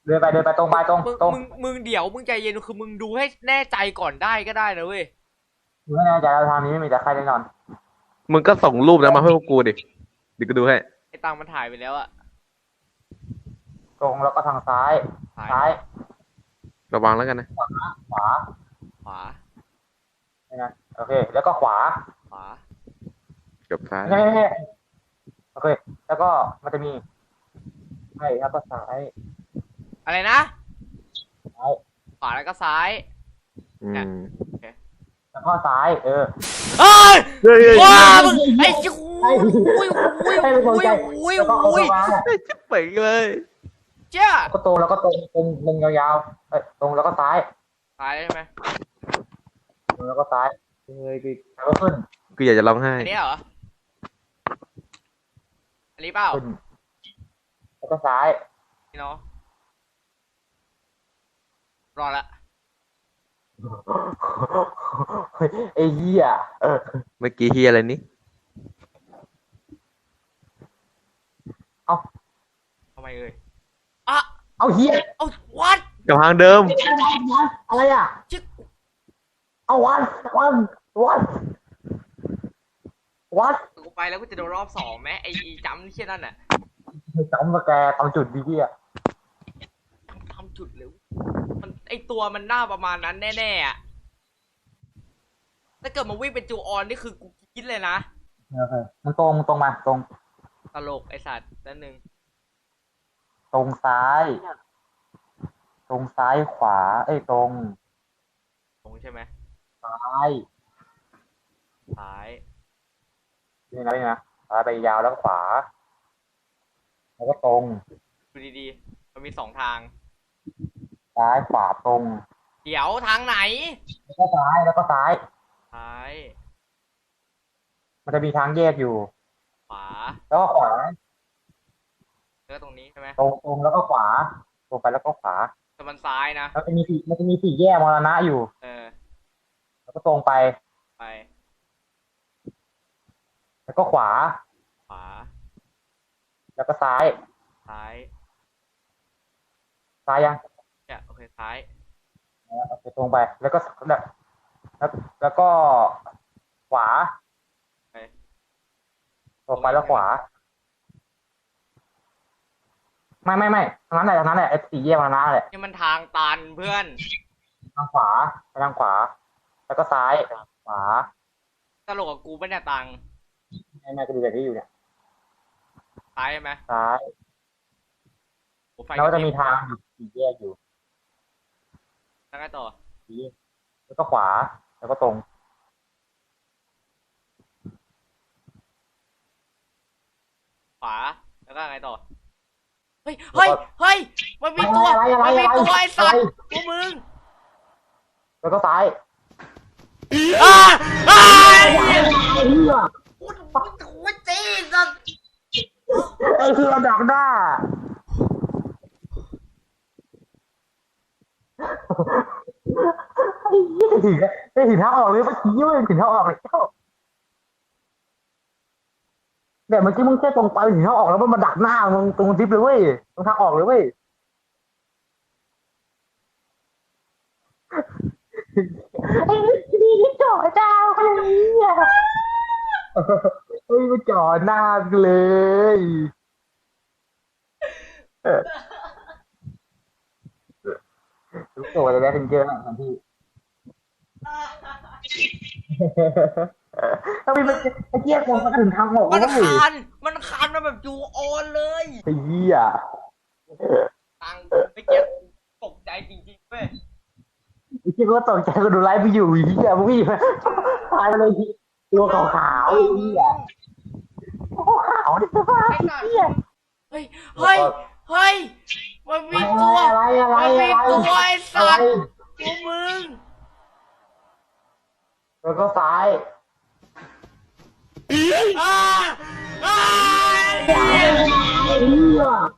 เดินไปตรงไปตรงตรงมึงเดี๋ยวมึงใจเย็นคือมึงดูให้แน่ใจก่อนได้ก็ได้นะเว้ยอยู่ไม่แน่ใจแล้วทางนี้ไม่มีแต่ใครแน่นอนมึงก็ส่งรูปนะมาให้พวกกูดิเดี๋ยวกูดูให้ไอ้ตังมันถ่ายไปแล้วอะตรงแล้วก็ทางซ้ายถ่ายซ้ายระวังแล้วกันนะขวาขวานะโอเคแล้วก็ขวาขวากับซ้ายเฮ้โอเคแล้วก็มันจะมีใช่แล้วก็ซ้ายอะไรนะซ้ายขวาแล้วก็ซ้ายอืมแล้วก็ซ้ายเอ้ยเฮ้ยว้ามึงไอ้จิ้วอุ้ยชิบเป่งเลยเจ้าก็ตรงแล้วก็ตรงยาวๆตรงแล้วก็ซ้ายซ้ายใช่ไหมตรงแล้วก็ซ้ายเลยแล้วก็ขึ้นกูอยากจะร้องไห้อันนี้เหรออันนี้เปล่าขึ้นแล้วก็ซ้ายนี่เนาะรอละไอ้เหี้ยเมื่อกี้เฮียอะไรนี่ทำไมเอ่ยอ่ะเอาเหี้ยเอาวัดกับทางเดิมอะไรอ่ะจิ๊กเอาวัดกูไปแล้วกูจะโดนรอบสองไหมไอ้จำเชี่ยนั่นน่ะจำมาแกตามจุดดีพี่อ่ะทำจุดเลยมันไอตัวมันหน้าประมาณนั้นแน่ๆอ่ะถ้าเกิดมันวิ่งเป็นจูออนนี่คือกูคิดเลยนะโอเคมันตรงมาตรงตลกไอสัตว์นั่นหนึ่งตรงซ้ายขวาตรงใช่ไหมซ้ายนี่นะซ้ายไปยาวแล้วก็ขวาแล้วก็ตรงดูดีๆมันมีสองทางซ้ายขวาตรงเดี๋ยวทางไหนแล้วก็ซ้ายมันจะมีทางแยกอยู่ขวาแล้วก็ขวาแล้วตรงนี้ใช่ไหมตรงแล้วก็ขวาตรงไปแล้วก็ขวาแต่มันซ้ายนะมันจะมีสี่แยกมรณะอยู่แล้วก็ตรงไปแล้วก็ขวาแล้วก็ซ้ายยังเนี่ยโอเคซ้ายโอเคตรงไปแล้วก็แล้วก็ขวาตรงไปแล้วขวาไม่ทางนั้นแหละไอ้สี่แยกมรณะแหละนี่มันทางตันเพื่อนทางขวาแล้วก็ซ้ายขวาตลกกับกูไม่เนี่ยตังไม่ก็ดูแบบที่อยู่เนี่ยซ้ายใช่ไหมซ้ายแล้วจะมีทางสี่แยกอยู่แล้วไงต่อแล้วก็ขวาแล้วก็ตรงขวาแล้วก็ไงต่อเฮ้ยมันมีตัวไอ้สัตว์พวกมึงแล้วก็ซ้ายกูจีสัตว์คือระดับหน้าไม่ถึงทางออกเลยเมื่อกี้ไม่ถึงทางออกเลยแต่เมื่อกี้มึงแค่ตรงไปถึงทางออกแล้วมันมาดักหน้ามึงตรงทิปเลยเว้ยตรงทางออกเลยเว้ยไอ้นี่จ่อเจ้าอะไรเนี่ยเฮ้ยมาจ่อหน้าเลยรู้ตัวจะได้เป็นเจอหนังทันทีถ้ามีมันไอ้เจี๊ยบมันถึงทางออกมันคันมาแบบจูออนเลยไอ้เหี้ยตังไอ้เจี๊ยบตกใจจริงๆเว้ยไอ้เจี๊ยบก็ตกใจก็ดูไลฟ์ไปอยู่ไอ้เหี้ยมึงวิ่งตายไปเลยตัวขาวๆไอ้เหี้ยขาวดิสภาพไอ้เหี้ยเฮ้ยมันมีตัวไอ้สัตว์พวกมึงแล้วก็ซ้ายอ่า